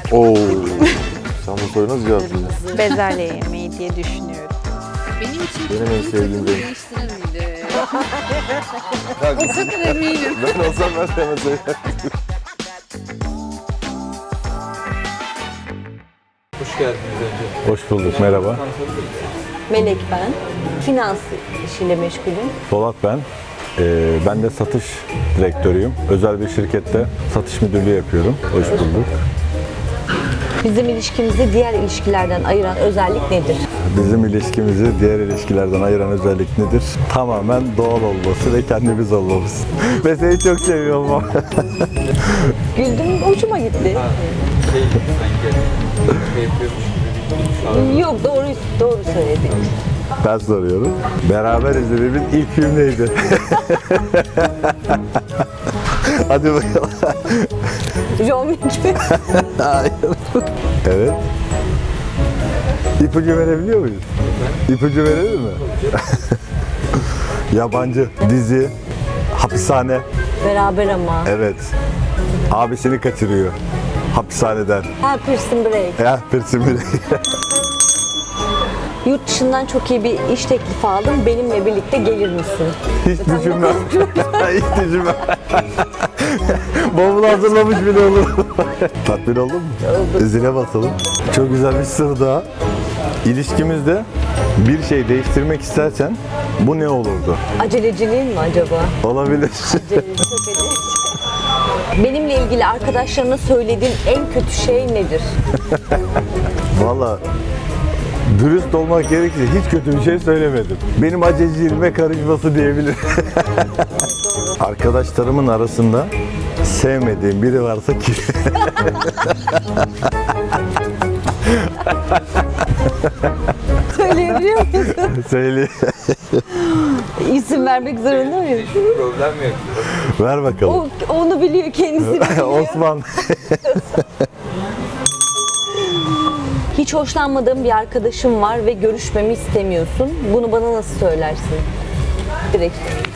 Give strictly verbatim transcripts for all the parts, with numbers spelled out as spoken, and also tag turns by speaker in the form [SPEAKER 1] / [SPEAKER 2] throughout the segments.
[SPEAKER 1] Oo. Sen bu soruyu nasıl cevaplayacaksın?
[SPEAKER 2] Bezelye yemeği diye düşünüyorum.
[SPEAKER 3] Benim için
[SPEAKER 1] Benim en sevdiğim renk.
[SPEAKER 3] değiştirir miydi?
[SPEAKER 1] Ya,
[SPEAKER 3] O kadar eminim.
[SPEAKER 1] ben olsam ben de hemen söylerdim.
[SPEAKER 4] Hoş geldiniz önce.
[SPEAKER 5] Hoş bulduk, merhaba.
[SPEAKER 6] Melek ben. Finans işiyle meşgulüm.
[SPEAKER 5] Polat ben. Ee, ben de satış direktörüyüm. Özel bir şirkette satış müdürlüğü yapıyorum. Hoş bulduk.
[SPEAKER 6] Bizim ilişkimizi diğer ilişkilerden ayıran özellik nedir?
[SPEAKER 5] Bizim ilişkimizi diğer ilişkilerden ayıran özellik nedir? Tamamen doğal olması ve kendimiz olmamız. Ve seni çok seviyorum ama.
[SPEAKER 6] Güldüm, hoşuma gitti.
[SPEAKER 4] Şey sanki şey yapıyormuş gibi bir şey.
[SPEAKER 6] Yok, doğru doğru söyledin.
[SPEAKER 5] Ben soruyorum. Beraber izlediğimiz ilk film neydi? Hadi bakalım.
[SPEAKER 6] John Wick.
[SPEAKER 5] Hayır. Evet. İpucu verebiliyor muyuz? İpucu verebilir mi? Yabancı, dizi, hapishane.
[SPEAKER 6] Beraber ama.
[SPEAKER 5] Evet. Abisini kaçırıyor. Hapishaneden.
[SPEAKER 6] Ha, Prison Break.
[SPEAKER 5] Ya Prison Break.
[SPEAKER 6] Yurt dışından çok iyi bir iş teklifi aldım. Benimle birlikte gelir misin?
[SPEAKER 5] Hiç düşünmem. Hiç düşünmem. Bavulu hazırlamış bile olur. Tatmin oldun mu?
[SPEAKER 6] Oldum.
[SPEAKER 5] Zile basalım. Çok güzel bir sır daha. İlişkimizde bir şey değiştirmek istersen bu ne olurdu?
[SPEAKER 6] Aceleciliğin mi acaba?
[SPEAKER 5] Olabilir.
[SPEAKER 6] Aceleci, çok aceleci. Benimle ilgili arkadaşlarına söylediğin en kötü şey nedir?
[SPEAKER 5] Valla dürüst olmak gerekirse hiç kötü bir şey söylemedim. Benim aceleciğime karışması diyebilirim. Arkadaşlarımın arasında sevmediğim biri varsa ki.
[SPEAKER 6] Söyleyebiliyor musun?
[SPEAKER 5] Söyle.
[SPEAKER 6] İsim vermek zorunda mıyım?
[SPEAKER 4] Problem yok.
[SPEAKER 5] Ver bakalım.
[SPEAKER 6] O, onu biliyor, kendisi biliyor.
[SPEAKER 5] Osman.
[SPEAKER 6] Hiç hoşlanmadığım bir arkadaşım var ve görüşmemi istemiyorsun. Bunu bana nasıl söylersin? Direkt.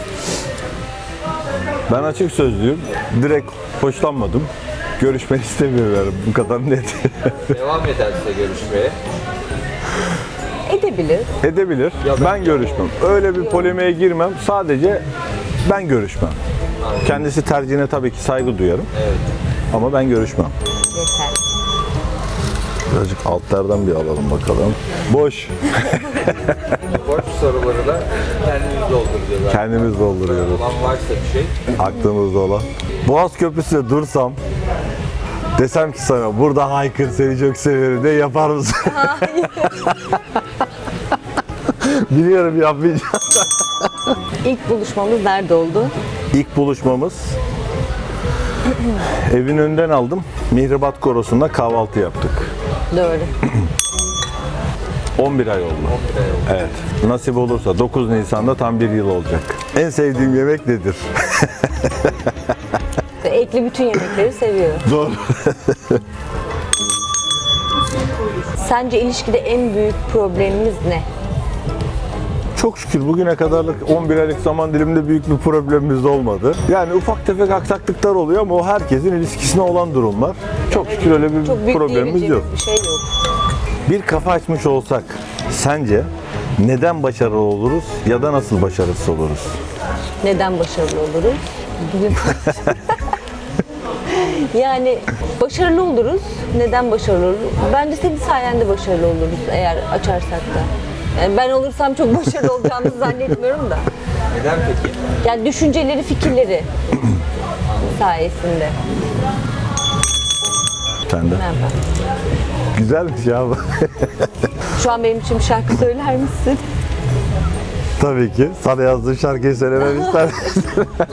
[SPEAKER 5] Ben açık sözlüyüm. Direkt hoşlanmadım. Görüşmek istemiyorum. Bu kadar net.
[SPEAKER 4] Devam ederse görüşmeye.
[SPEAKER 6] Edebilir.
[SPEAKER 5] Edebilir.
[SPEAKER 4] Ya ben-
[SPEAKER 5] Ben görüşmem. Öyle bir polemiğe girmem. Sadece ben görüşmem. Kendisi tercihine tabii ki saygı duyarım.
[SPEAKER 4] Evet.
[SPEAKER 5] Ama ben görüşmem.
[SPEAKER 6] Yeter.
[SPEAKER 5] Birazcık altlardan bir alalım bakalım. Boş.
[SPEAKER 4] Boş soruları da kendimiz dolduracağız.
[SPEAKER 5] Kendimiz dolduruyoruz.
[SPEAKER 4] Olan varsa bir şey.
[SPEAKER 5] Aklımızda olan. Boğaz Köprüsü'nde dursam desem ki sana burada haykır seni çok severim de yapar mısın? Biliyorum yapmayacağım.
[SPEAKER 6] İlk buluşmamız nerede oldu?
[SPEAKER 5] İlk buluşmamız evin önünden aldım. Mihribat Korosu'nda kahvaltı yaptık.
[SPEAKER 6] Doğru.
[SPEAKER 5] on bir ay oldu. Evet. Nasip olursa dokuz Nisan'da tam bir yıl olacak. En sevdiğim yemek nedir?
[SPEAKER 6] Ve ekli bütün yemekleri seviyor.
[SPEAKER 5] Zor.
[SPEAKER 6] Sence ilişkide en büyük problemimiz ne?
[SPEAKER 5] Çok şükür bugüne kadarlık on bir aylık zaman diliminde büyük bir problemimiz olmadı. Yani ufak tefek aksaklıklar oluyor ama o herkesin ilişkisine olan durumlar. Çok şükür öyle bir
[SPEAKER 6] Çok büyük
[SPEAKER 5] problemimiz yok.
[SPEAKER 6] diyebileceğimiz bir şey yok.
[SPEAKER 5] Bir kafa açmış olsak sence neden başarılı oluruz ya da nasıl başarısız oluruz?
[SPEAKER 6] Neden başarılı oluruz? Bugün yani başarılı oluruz. Neden başarılı oluruz? Bence senin sayende başarılı oluruz eğer açarsak da. Yani ben olursam çok başarılı olacağımızı zannetmiyorum da.
[SPEAKER 4] Neden peki?
[SPEAKER 6] Yani düşünceleri, fikirleri sayesinde.
[SPEAKER 5] Sen de.
[SPEAKER 6] Merhaba.
[SPEAKER 5] Güzelmiş ya bu.
[SPEAKER 6] Şu an benim için bir şarkı söyler misin?
[SPEAKER 5] Tabii ki. Sana yazdığım şarkıyı söylemem ister misin?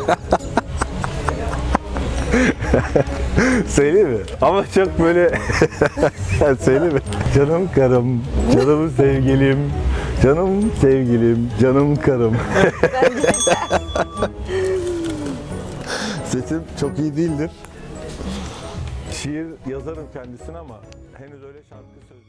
[SPEAKER 5] Söyleyeyim mi? Ama çok böyle... Söyleyeyim mi? Canım karım, canım sevgilim, canım sevgilim, canım karım. Sesim çok iyi değildir. Şiir yazarım kendisine ama henüz öyle şarkı sözü...